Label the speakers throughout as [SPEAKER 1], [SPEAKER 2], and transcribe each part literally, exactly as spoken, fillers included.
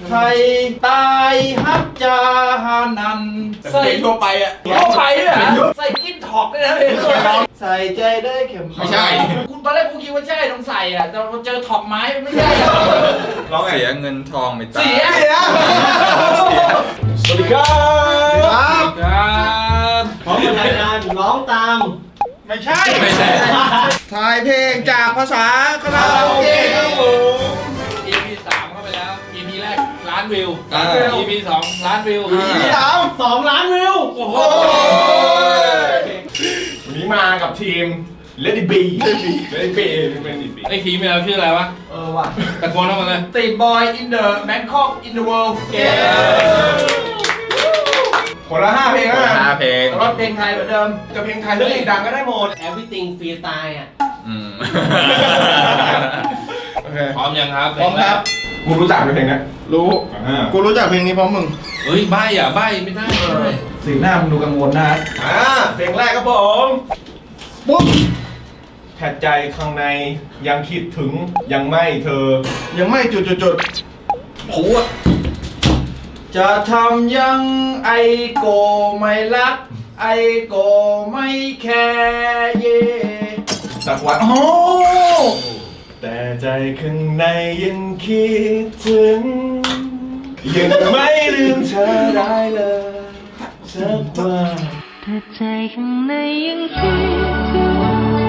[SPEAKER 1] ไทยตายฮับจาฮานันใส่ทั่วไปอ่ะทั่วไปด้วยอ่ะใส่กินท็อกด้วยนะเพลงใส่ใจได้เข็มไม่ใช่คุณตอนแรกกูคิดว่าใช่ต้องใส่อ่ะแต่พอเจอท็อกไม้ไม่ใช่
[SPEAKER 2] ร้องเสียเงินทองไปตาย
[SPEAKER 1] เสีย
[SPEAKER 3] สวัสดีครับ
[SPEAKER 1] ครับ
[SPEAKER 3] พร้อมกับรายการร้องตาม
[SPEAKER 1] ไม่ใช่ไม่ใช่ถ่ายเพลงจากภาษาคาราโอเกะครับผม
[SPEAKER 4] อี พี สามเข้าไปแล้ว อี พี แรกล้านวิว อี พี สองล้านวิว
[SPEAKER 3] อี พี สามสองล้านวิวโอ้โหวันนี้มากับทีม Lady B Lady B เป็นดีบี
[SPEAKER 4] ไอ้ทีมเราชื่ออะไรวะ
[SPEAKER 1] เออว่ะ
[SPEAKER 4] ตะโกนเข้ามาเลย
[SPEAKER 1] Street Boy in the Bangkok in the world
[SPEAKER 3] คนละห้าเพลงนะ
[SPEAKER 2] ห้าเพลง
[SPEAKER 1] รถเพลงไทยเหมือนเดิม
[SPEAKER 3] จะเพลงไทยหรือเพลงดังก็ได้หมด
[SPEAKER 5] Everything Freestyle อ่ะ
[SPEAKER 2] อืม
[SPEAKER 3] โอเค
[SPEAKER 4] พร้อมยังครับ
[SPEAKER 1] พร้อมครับ
[SPEAKER 3] กูรู้จักเพลงนี้
[SPEAKER 1] รู้ กูรู้จักเพลงนี้พร้อมมึง
[SPEAKER 4] เฮ้ยใบ้อ่ะใบ้ไม่ได้เลย
[SPEAKER 1] สีหน้ามึงดูกังวลนะ
[SPEAKER 3] อ่าเพลงแรกครับผมปุ๊บแผดใจข้างในยังคิดถึงยังไม่เธอ
[SPEAKER 1] ยังไม่จุดจุดจุดโหจะทำยังไอโกไม่รัก ไอโกไม่แคร์เย่
[SPEAKER 3] สักวันโอ้แต่ใจข้างในยังคิดถึงยังไม่ลืมเธอได้เลยสักวัน
[SPEAKER 6] แต่ใจข้างในยังคิดถึง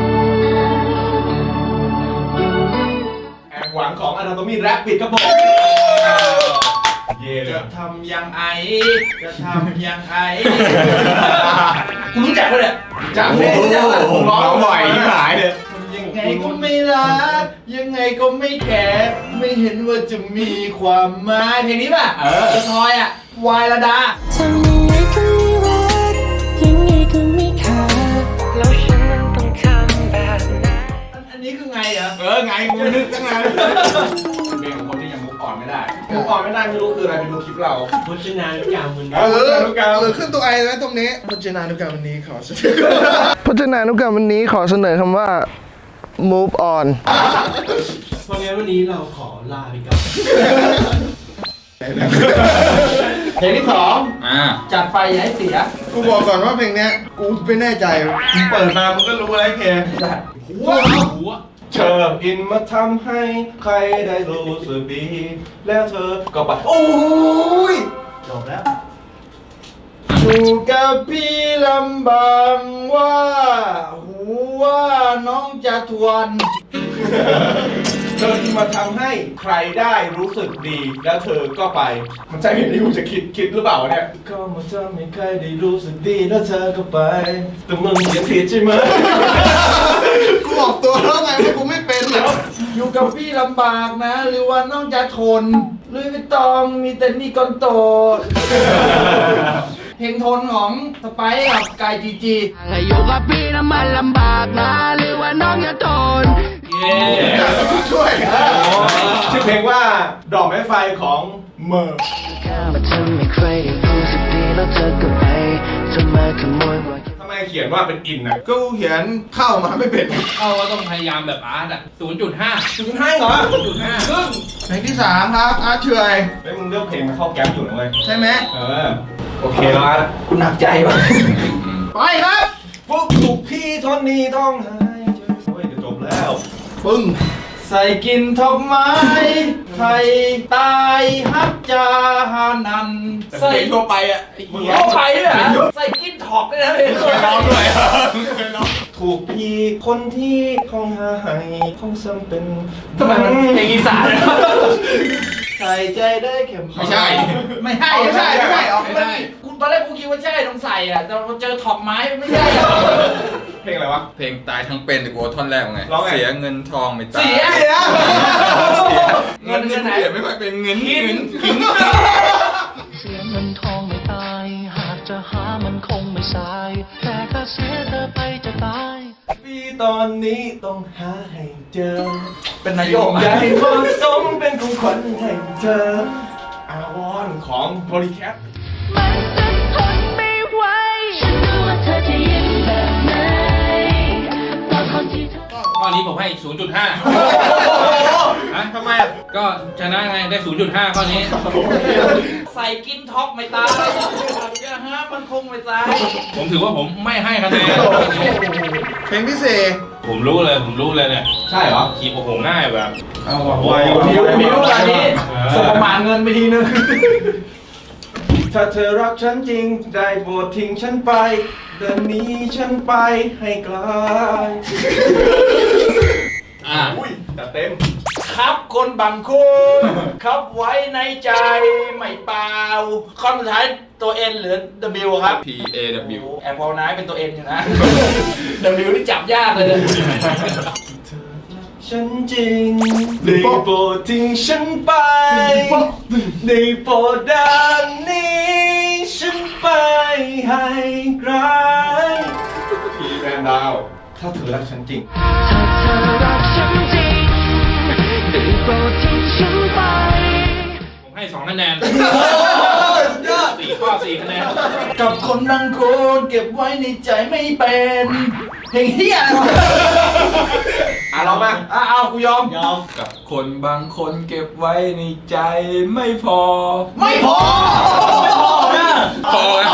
[SPEAKER 3] แอบหวังของ Anatomy Rap ปิดครับผมเย่เลย
[SPEAKER 1] จะทำยังไอ จะทำยังไอคุณรู้จักปะเนี่ย
[SPEAKER 3] จังเลยจังเลยผมร้องบ่อยที่หายเลย
[SPEAKER 1] ยังไงก็ไม่รัก ยังไงก็ไม่แคร์ไม่เห็นว่าจะมีความหมายเพลงนี้ป่ะ เออจะทอยอ่ะ วายระดา
[SPEAKER 6] ทำยังไงก็ไม่รักยังไงก็ไม่ขาดแล้วฉันนั้นต้องทำแบบไหน
[SPEAKER 1] อันนี้คือไงเหรอ
[SPEAKER 3] เออไงกูนึกตั้งนานเพลงของคนที่ยังมุกอ่อนไม่ได้มุกอ่อนไม่ได้ไม่รู้คืออะไรไปดูคลิปเรา
[SPEAKER 5] พุชนานุกรรมมัน
[SPEAKER 3] เออนุกรรม
[SPEAKER 1] เออขึ้นตัวไอไว้ตรงนี้พจนานุกรรมวันนี้ขอเสนอพจนานุกรรมวันนี้ขอเสนอคำว่า move on
[SPEAKER 5] เพราะงั้นวันนี้เราขอลาไปก่อน
[SPEAKER 1] เพลงที่สอง
[SPEAKER 2] อ่า
[SPEAKER 1] จัดไปอย่าให้เสีย กูบอกก่อนว่าเพลงเนี้ย กูไม่แน่ใจมึงเปิดมามึงก็รู้อะไรเพลงจัด
[SPEAKER 4] หัวหัว
[SPEAKER 3] เธออินมาทำให้ใครได้รู้สึกดีแล้วเธอก็ไปโอ้ย
[SPEAKER 1] จบแล้วอยู่กับพี่ลำบากว่าหูว่าน้องจะทวน
[SPEAKER 3] เธอที่มาทำให้ใครได้รู้สึกดีแล้วเธอก็ไป มันใช่เพลงที่กูจะคิดคิดหรือเปล่าเนี่ยก็มาทำให้ใครได้รู้สึกดีแล้วเธอก็ไปแต่มึงยังผิดใช่ไหม
[SPEAKER 1] กูบอกตัวแล้วไงว่ากูไม่เป็นแล้วอยู่กับพี่ลำบากนะ หรือว่าน้องจะทนลุยไม่ต้องมีแต่นี่ก้อนโต เพลงทนของสไปซ์กับกายจีจี
[SPEAKER 6] อยู่กับพี่น้ำมันลำบากนะหรือว่าน้องจะทน
[SPEAKER 4] เย้
[SPEAKER 1] ช่วย
[SPEAKER 3] ชื่อเพลงว่าดอกไม้ไฟของเมอร์
[SPEAKER 6] มาทำให้ใครได้รู้สึกดีแล้วเธอก็ไปจะมาขโมยว่า
[SPEAKER 3] ทำไมเขียนว่าเป็นอินนะ
[SPEAKER 1] ก็เขียนเข้ามาไม่เป็น
[SPEAKER 4] เข้าก็ต้องพยายามแบบอาร์ตอ่ะ ศูนย์จุดห้า
[SPEAKER 3] จุดให้เหรอ
[SPEAKER 4] ศูนย์จุดห้า
[SPEAKER 3] ครึ่ง
[SPEAKER 1] เพลงที่สามครับอาร์ตเฉย
[SPEAKER 3] ไอ้มึงเลือกเพลงมาเข้าแก๊ปอยู่นะเว้ย
[SPEAKER 1] ใช่ไหม
[SPEAKER 3] เออโอเคแล้วอาร์ต
[SPEAKER 1] คุณหนักใจวะไปครับ
[SPEAKER 3] พวกถูกพี่ทนนี้ต้องหายใจโอ้ยจะจบแล้ว
[SPEAKER 1] ปึ้งใส่กินทอกไม้ไทยตายฮับจาฮานันใส่ทั่วไปอ่ะมึงทั่วไปด้วยอ่ะใส่กินท็อกด้วยนะเพลง
[SPEAKER 3] ร้องด้วยถูกพี่คนที่ของหายของซ้ำเป็น
[SPEAKER 1] ทำไมมันเพลงอีสานใส่ใจได้เข็มไม่ใช่ไม่ใช่ไม่ใช่ไม่ใช่ออกไม่ได้คุณตอนแรกกูคิดว่าใช่ต้องใส่อ่ะแต่พอเจอท็อกไม้ไม่ใช่
[SPEAKER 3] เพลงอะไรวะ
[SPEAKER 2] เพลงตายทั้งเป็นแต่กูเอาท่อนแรกไง
[SPEAKER 3] ร้องไง
[SPEAKER 2] เสียเงินทองไปตาย
[SPEAKER 1] เสีย
[SPEAKER 3] เสีย
[SPEAKER 1] เงินเงินไหน
[SPEAKER 2] เสียไม่ค่อยเป็นเงินหิน
[SPEAKER 6] เสียเงินทองไม่ตายหากจะหามันคงไม่สายแต่ถ้าเสียเธอไปจะตาย
[SPEAKER 3] พี่ตอนนี้ต้องหาให้เจอ
[SPEAKER 1] เป็นนายก
[SPEAKER 3] อยากให้ความสมเป็นของขวัญให้เธออาวอนของโพลีแคท
[SPEAKER 6] มันจะทนไม่ไหวฉันรู้ว่าเธอจะยิ้มแบบไหนตอนคนที่เธอ
[SPEAKER 4] ข้อนี้ผมให้ ศูนย์จุดห้า ฮะ
[SPEAKER 3] ทำไมอ่ะ
[SPEAKER 4] ก็ชนะไงได้ ศูนย์จุดห้า ข้อนี้
[SPEAKER 1] ใส่กินท็อกไม่ตายจะหามันคงไม่ตาย
[SPEAKER 4] ผมถือว่าผมไม่ให้คะแนน
[SPEAKER 2] เพลงพิเศษ
[SPEAKER 4] ผมรู้เลย ผมรู้เลยเนี่ย
[SPEAKER 3] ใช่เหรอ
[SPEAKER 4] ขีบโอ้โหง่ายแบบ
[SPEAKER 3] เอาว่ะ
[SPEAKER 4] โอ้
[SPEAKER 3] ไว
[SPEAKER 4] โห
[SPEAKER 3] ว่ะ
[SPEAKER 1] มิวมิวอันนี้สมานเงินไปทีนึง
[SPEAKER 3] ถ้าเธอรักฉันจริงได้โปรดทิ้งฉันไป เดินหนี้ฉันไปให้ไกล
[SPEAKER 4] อ่า
[SPEAKER 3] อุ้ยแต่เต็ม
[SPEAKER 1] ครับคนบางคนครับไว้ในใจไม่เปล่าคำสุดท้ายตัว N หรือ W ครับ
[SPEAKER 2] P A W
[SPEAKER 1] แอบพอลนายเป็นตัว N อยู่นะ W นี่จับยากเลยเนี่ย
[SPEAKER 3] ฉันจริงได้โปรดทิ้งฉันไปได้โปรดเดินหนี้ฉันไปให้ไกลพี่แฟนดาว ถ้าเธอรักฉันจริง
[SPEAKER 6] ถ้าเธอรักฉันจริงได้โปรดทิ้งฉันไป
[SPEAKER 4] ผมให้สองคะแนนสี่ข้อสี่คะแนน
[SPEAKER 1] กับคนบางคนเก็บไว้ในใจไม่เป็นเพลงเฮียอะไรวะ
[SPEAKER 3] อ่ะเรามา
[SPEAKER 1] อ่ะเอากูยอม
[SPEAKER 5] ยอม
[SPEAKER 2] กับคนบางคนเก็บไว้ในใจไม่พอ
[SPEAKER 1] ไม่พอ
[SPEAKER 5] ไม่พอนะ
[SPEAKER 2] พอแล้ว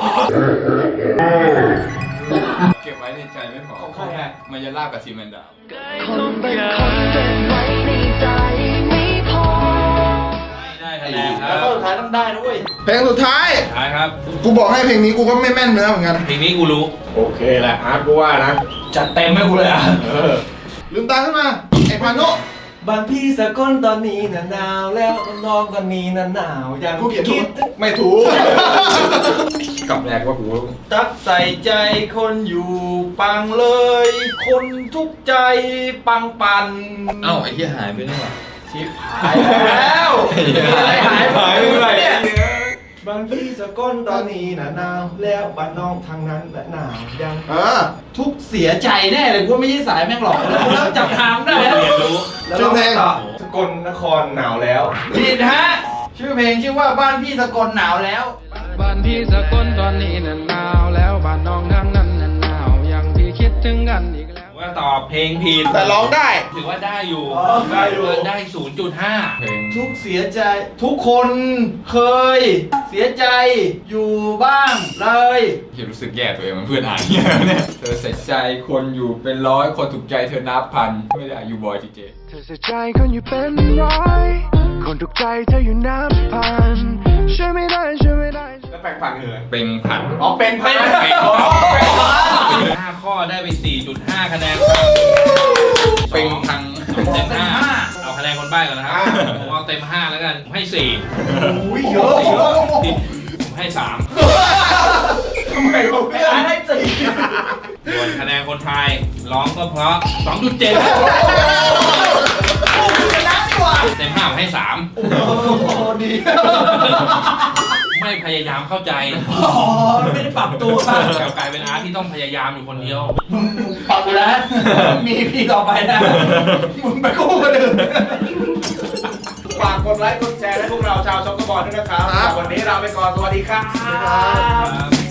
[SPEAKER 2] เก็บไว้ในใจไม่พอ
[SPEAKER 3] ของใครอ่ะ
[SPEAKER 2] มันจะลากกับซีเมนต์ดาว
[SPEAKER 6] คนบางคนเก็บไว้ในใจไม่พอ
[SPEAKER 4] ไม่ได้คะแนนค
[SPEAKER 1] แล้
[SPEAKER 4] รั
[SPEAKER 1] ว
[SPEAKER 4] บ
[SPEAKER 1] ก็สุดท้ายต้องได้นะเว้ย
[SPEAKER 2] เพลงสุดท้าย
[SPEAKER 4] ท้ายครับ
[SPEAKER 2] กูบอกให้เพลงนี้กูก็ไม่แม่นเนื้อเหมือนกัน
[SPEAKER 4] เพลงนี้กูรู้
[SPEAKER 3] โอเคแหละอาร์ตกูว่านะ
[SPEAKER 1] จัดเต็มให้กูเลยอ่ะ
[SPEAKER 3] เออ
[SPEAKER 2] ลืมตาขึ้นมา ไอ้พานุ
[SPEAKER 3] บ้านพี่สกลตอนนี้น่ะหนาวแล้วน้องตอนนี้น่ะหนาวยัง
[SPEAKER 2] กูเขียนถูก
[SPEAKER 3] คิดไม่ถูก
[SPEAKER 2] กับแรกว่ากู
[SPEAKER 1] ตักใส่ใจคนอยู่ปังเลย คนทุกใจปังปัน
[SPEAKER 2] เอ้าไอ้ที่หายไปนี่หว่า
[SPEAKER 1] ชิบหายแล้วอะไรหายไป
[SPEAKER 2] หายไปไหน
[SPEAKER 1] เนี่ย
[SPEAKER 3] บ้านพี่สกลตอนนี้น่ะหนาวแล้วบ้านน้องทางนั้นน่ะหนาวยัง
[SPEAKER 2] เออ
[SPEAKER 1] ทุกเสียใจแน่เลยกูว่าไม่ใช่สายแม่งหรอกแล้วกูเริ่มจับทางได้แล้ว
[SPEAKER 4] เรียนรู้
[SPEAKER 1] แล้วเราไปต่อ
[SPEAKER 3] สกลนครหนาวแล้ว
[SPEAKER 1] ผิดฮะชื่อเพลงชื่อว่าบ้านพี่สกลหนาวแล้ว
[SPEAKER 7] บ้านพี่สกลตอนนี้น่ะหนาวแล้วบ้านน้องทางนั้นน่ะหนาวยังพี่คิดถึงกันอีกแล้ว
[SPEAKER 4] ว่าตอบเพลงผิด
[SPEAKER 2] แต่ร้องได้
[SPEAKER 4] ถือว่าได้อยู่
[SPEAKER 1] อ๋อได้อยู่
[SPEAKER 4] ได้ ศูนย์จุดห้า
[SPEAKER 2] เพลง
[SPEAKER 1] ทุกเสียใจทุกคนเคย เสียใจอยู่บ้างเลย
[SPEAKER 2] เห็นรู้สึกแย่ตัวเองเหมันเพื่อนอ่านเนี่ยเนี่ยเธอใส่ใจคนอยู่เป็นร้อยคนถูกใจเธอนับพัน ไม่ได้อยู่บอยจีเจ
[SPEAKER 7] เธอใส่ใจคนอยู่เป็นร้อยคนถูกใจเธออยู่นับพันช่วยไม่ได้ช่วยไม่ได้
[SPEAKER 3] แล้วแปลงฟันคืออะไร
[SPEAKER 2] เป็นพัน
[SPEAKER 3] อ๋อเป็นพัน
[SPEAKER 1] เป็นพัน
[SPEAKER 4] ห้าข้อได้ไป สี่จุดห้า คะแนนครับ
[SPEAKER 2] เป็นพัง
[SPEAKER 4] เต็มห้าเอาคะแนนคนใบ้ก่อนนะครับผมเอาเต็มห้าแล้วกันผมให้สี่
[SPEAKER 3] อุ้ยเยอะเยอะ
[SPEAKER 4] ผมให้สาม
[SPEAKER 3] ทำไมวะ
[SPEAKER 1] ไม่
[SPEAKER 3] เพื่อน
[SPEAKER 1] อ่านให้สิ
[SPEAKER 4] ส่วนคะแนนคนไทยร้องก็เพราะ สองจุดเจ็ด
[SPEAKER 1] ชนะดีกว่า
[SPEAKER 4] เต็มห้าผมให้สาม
[SPEAKER 1] โอ้ดี
[SPEAKER 4] ไม่พยายามเข้าใจ
[SPEAKER 1] อ๋อไม่ได้ปรับตัว
[SPEAKER 4] กลับกลายเป็นอาร์ตที่ต้องพยายามอยู่คนเดียว
[SPEAKER 1] ปรับอยู่แล้วมีพี่ต่อไปนะมึงไปกู้คนอื่น
[SPEAKER 3] ฝากกดไลค์กดแชร์ให้พวกเราชาวช็อกโกบอลด้วยนะครับ วันนี้เราไปก่อน สวัสดีครับ
[SPEAKER 4] ครับ